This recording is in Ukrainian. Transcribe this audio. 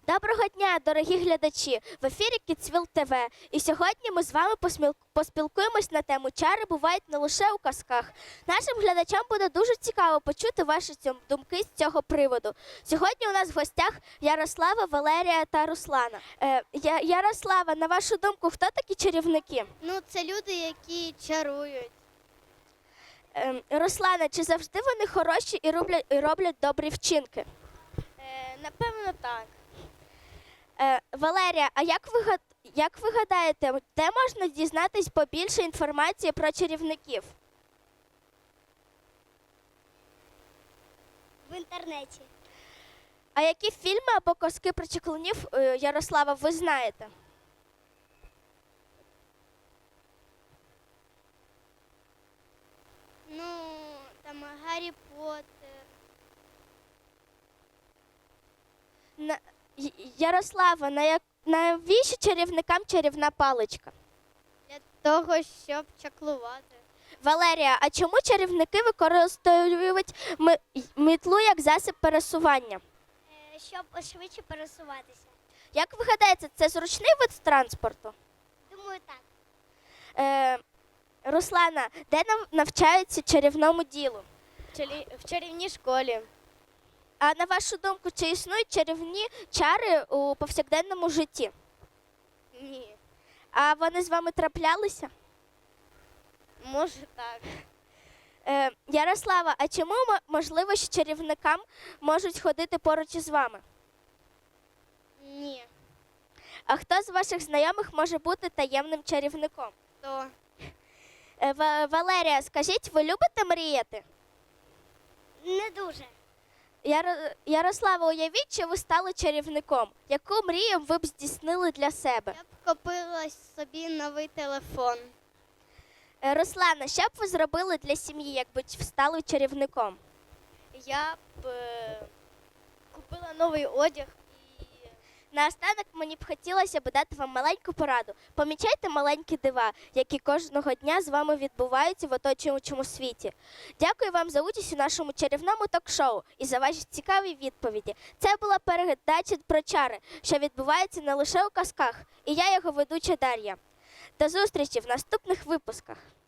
Доброго дня, дорогі глядачі! В ефірі Kidsville TV. І сьогодні ми з вами поспілкуємось на тему «Чари бувають не лише у казках». Нашим глядачам буде дуже цікаво почути ваші думки з цього приводу. Сьогодні у нас в гостях Ярослава, Валерія та Руслана. Ярослава, на вашу думку, хто такі чарівники? Ну, це люди, які чарують. Руслана, чи завжди вони хороші і роблять добрі вчинки? Напевно, так. Валерія, а як ви гадаєте, де можна дізнатись побільше інформації про чарівників? В інтернеті. А які фільми або казки про чаклунів, Ярослава, ви знаєте? Ну, там Гаррі Поттер. Ярослава, навіщо чарівникам чарівна паличка? Для того, щоб чаклувати. Валерія, а чому чарівники використовують мітлу як засіб пересування? Щоб швидше пересуватися. Як ви гадаєте, це зручний вид транспорту? Думаю, так. Руслана, де навчаються чарівному ділу? В чарівній школі. А на вашу думку, чи існують чарівні чари у повсякденному житті? Ні. А вони з вами траплялися? Може, так. Ярослава, а чому можливо, що чарівникам можуть ходити поруч із вами? Ні. А хто з ваших знайомих може бути таємним чарівником? То. Валерія, скажіть, ви любите мріяти? Не дуже. Ярослава, уявіть, що ви стали чарівником. Яку мрію ви б здійснили для себе? Я б купила собі новий телефон. Руслана, що б ви зробили для сім'ї, якби стали чарівником? Я б купила новий одяг. Наостанок мені б хотілося б дати вам маленьку пораду. Помічайте маленькі дива, які кожного дня з вами відбуваються в оточуючому світі. Дякую вам за участь у нашому чарівному ток-шоу і за ваші цікаві відповіді. Це була передача про чари, що відбувається не лише у казках. І я його ведуча Дар'я. До зустрічі в наступних випусках.